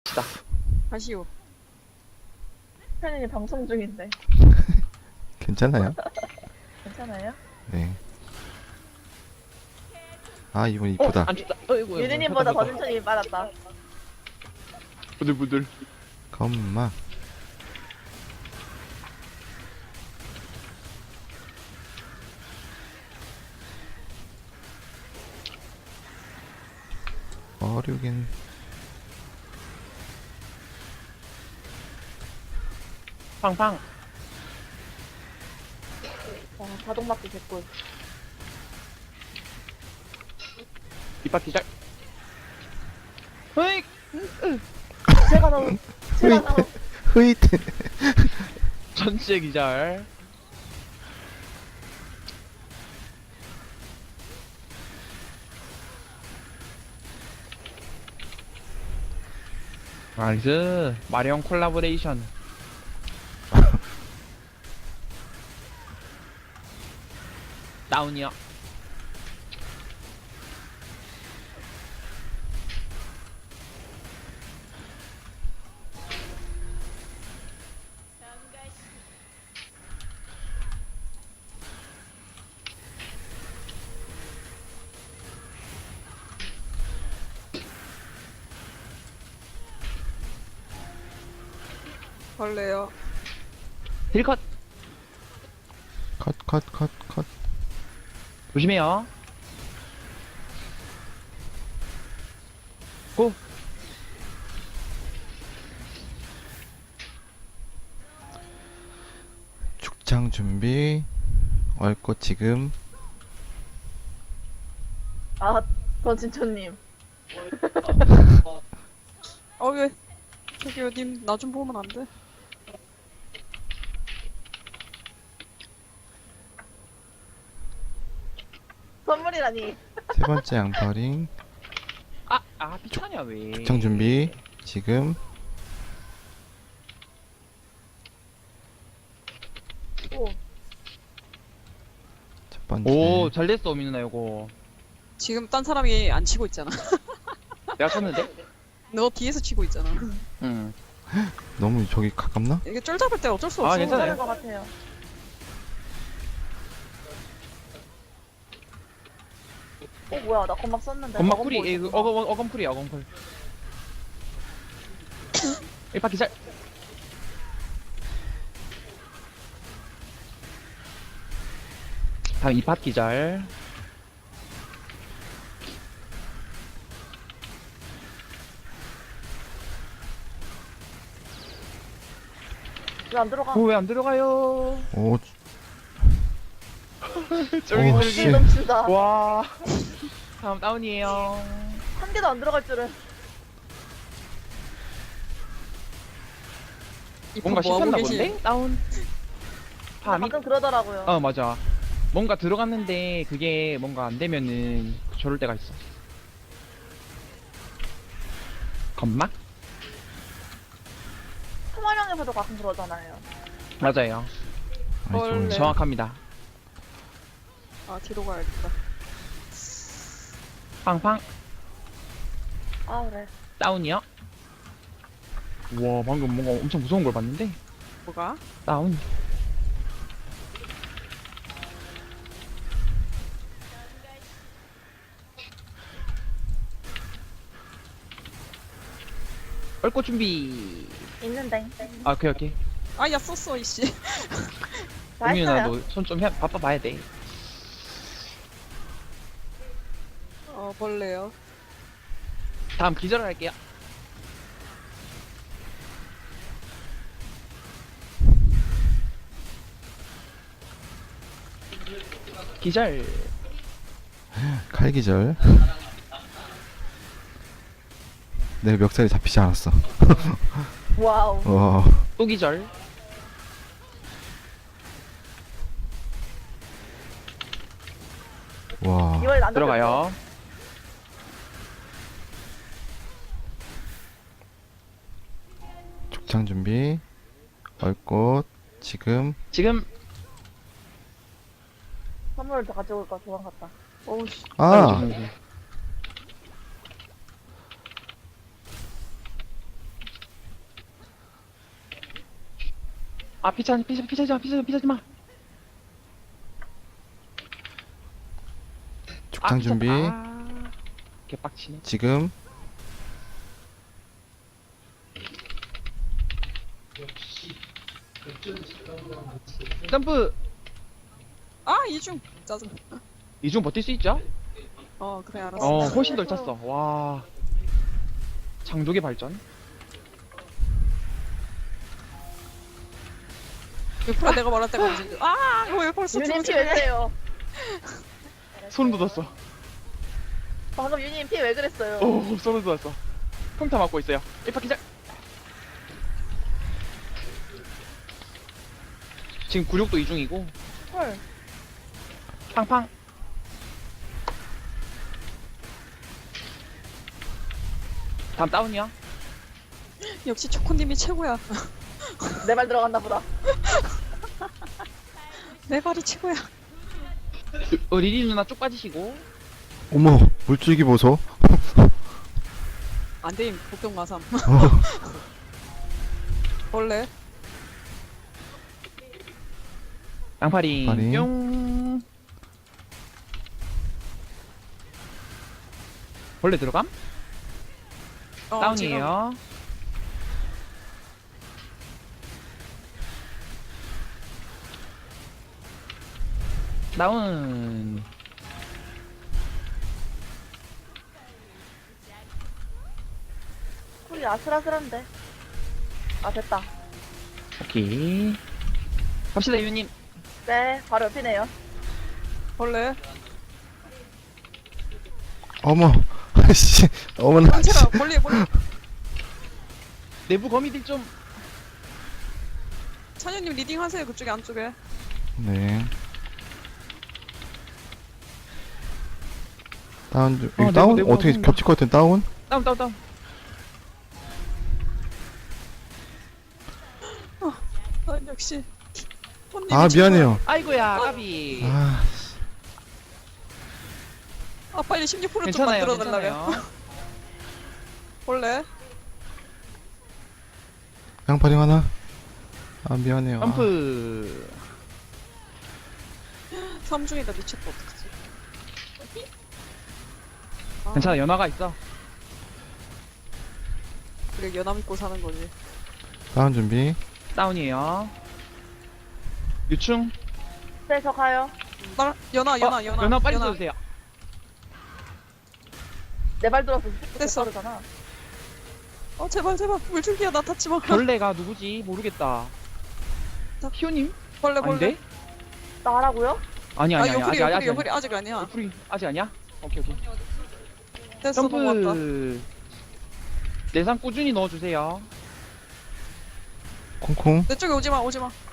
갑시다. 가시오. 팬이 방송 중인데 괜찮아요? 괜찮아요? 네. 아, 이분 이쁘다. 안 춥다. 어이구. 유리님보다 더 천천히 빨았다. 부들부들. 겁마. 어류긴. 팡팡. 와, 자동막기 개꿀. 뒷바퀴 잘. 으익. 제가 너무 제가 너무 흐이트. 전체 기절. 나이스. 마리온 콜라보레이션. 다운이요. 벌레요. 힐컷. 컷. 조심해요. 고. 죽창 준비. 얼꽃 지금. 아 권진초님 왜? 저기요, 님, 나 좀 보면 안 돼? 선물이라니. 세 번째 양파링. 피차냐 왜? 죽창 준비. 지금. 오 첫 번째. 오, 잘 됐어, 민누나 이거. 지금 딴 사람이 안 치고 있잖아. 내가 쳤는데? 너 뒤에서 치고 있잖아. 응. 너무 저기 가깝나? 이게 쫄 잡을 때 어쩔 수 아, 없어. 괜찮아요. 괜찮을 것 같아요. 뭐야 나 건막 썼는데. 건막풀이, 어건 보이구나. 어건풀이야, 어건풀. 1바퀴 잘. 다음 2바퀴 잘. 왜안 들어가? 왜 안 들어가요? 오, 쫄깃쫄깃. 씨. 넘치다. 와. 다음 다운이에요. 한 개도 안 들어갈 줄은. 뭔가 뭐 하고 씹혔나 계시- 본데? 다운. 파미? 방금 그러더라고요. 맞아. 뭔가 들어갔는데 그게 뭔가 안 되면은 저럴 때가 있어. 건막? 토마령에서도 가끔 그러잖아요. 맞아요. 아니, 헐. 저 정확합니다. 아, 뒤로 가야겠다. 팡팡. 아 그래. 다운이요? 와, 방금 뭔가 엄청 무서운 걸 봤는데? 뭐가? 다운. 얼꽃 준비. 있는데. 아, 오케이. 아, 야, 썼어, 이씨. 다 홍윤아, 했어요. 너 손 좀 바빠봐야 돼. 벌레요. 다음 기절할게요. 기절. 칼기절. 내 멱살이 잡히지 않았어. 와우. 와, 또 기절. 와. 이번엔 안 들어가요. 죽창 준비. 얼꽃 지금. 지금. 선물을 더 가져올 거 도망갔다. 어우, 씨. 아, 아 피차지 마. 죽장 준비. 개빡치네. 지금 점프. 아 이중 짜증. 이중 버틸 수 있죠? 그래 알았어. 훨씬 덜 찼어. 와. 장족의 발전. 유프라 내가 말할 때가 언제? 왜 벌써 유님 피 죽었지? 왜 그래요? 소름 돋았어. 방금 유님 피 왜 그랬어요? 오, 소름 돋았어. 평타 맞고 있어요. 1파 기절. 지금 굴욕도 이중이고. 헐. 팡팡. 다음 다운이야. 역시 초코님이 최고야. 내 말 들어갔나 보다. 내 발이 최고야. 리리 누나 쭉 빠지시고. 어머 물줄기 보소. 안돼임 복동 마삼. 어, 원래 양파리. 양파리. 뿅. 벌레 들어감? 다운이에요. 다운. 쿨이 아슬아슬한데. 아 됐다. 오케이. 갑시다 유님. 네, 바로 옆이네요. 원래 어머 아씨 어머나. 한채라 멀리. 내부 거미들 좀. 찬현님 리딩 하세요 그쪽에 안쪽에. 네. 다운 중. 내부, 다운 내부 어떻게 나온다. 겹칠 것 같은 다운? 다운. 역시. 아 미안해요. 아이고야 까비. 아 빨리 16% 좀 괜찮아요. 만들어 달라며. 괜찮아요. 원래 양파리 하나. 아 미안해요. 아. 점프. 3중이다 미쳤다 어떡하지? 괜찮아 연화가 있어. 그래 연암 입고 사는 거지. 다운 준비. 다운이에요. 유충. 네, 저 가요. 연아. 연화 빨리 써주세요. 내 발 들어서 됐어. 그러잖아. 제발 물줄기야 나 탔지 마. 벌레가 누구지 모르겠다. 희호님? 벌레. 아닌데? 나 하라고요? 아니 아직 요플이 아직 아니야. 요플이 아직 아니야? 오케이. 됐어 넘어왔다. 점프. 내상 꾸준히 넣어주세요. 콩콩. 내 쪽에 오지마.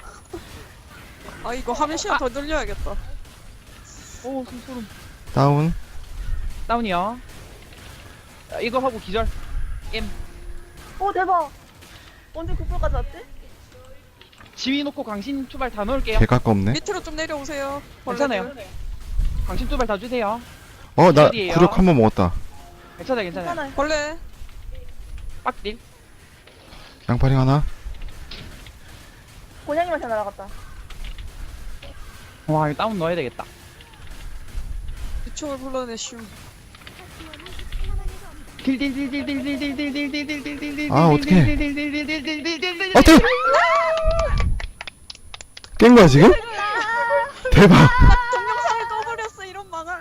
이거 화면 시간 더 늘려야겠다. 오 소름. 다운. 다운이요. 이거 하고 기절. 오, 대박. 언제 9%까지 왔지? 지휘 놓고 강신 투발 다 넣을게요. 개 가깝네. 밑으로 좀 내려오세요. 괜찮아요. 강신 투발 다 주세요. 나 어디예요? 구력 한 번 먹었다. 괜찮아요. 괜찮아요. 벌레. 빡딜. 양파리 하나. 곤양이한테 날아갔다. 와 이거 다운 넣어야 되겠다. 유충을 불러내시오. 아, 어떡해. 어떻게? 깬 거야 지금? 대박. 동영상을 꺼버렸어 이런 망할.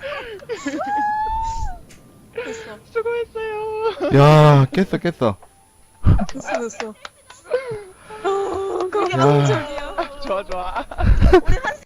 됐어. 수고했어요. 야 깼어. 됐어. 그게 야. 너무 저기야. 좋아. 우리 한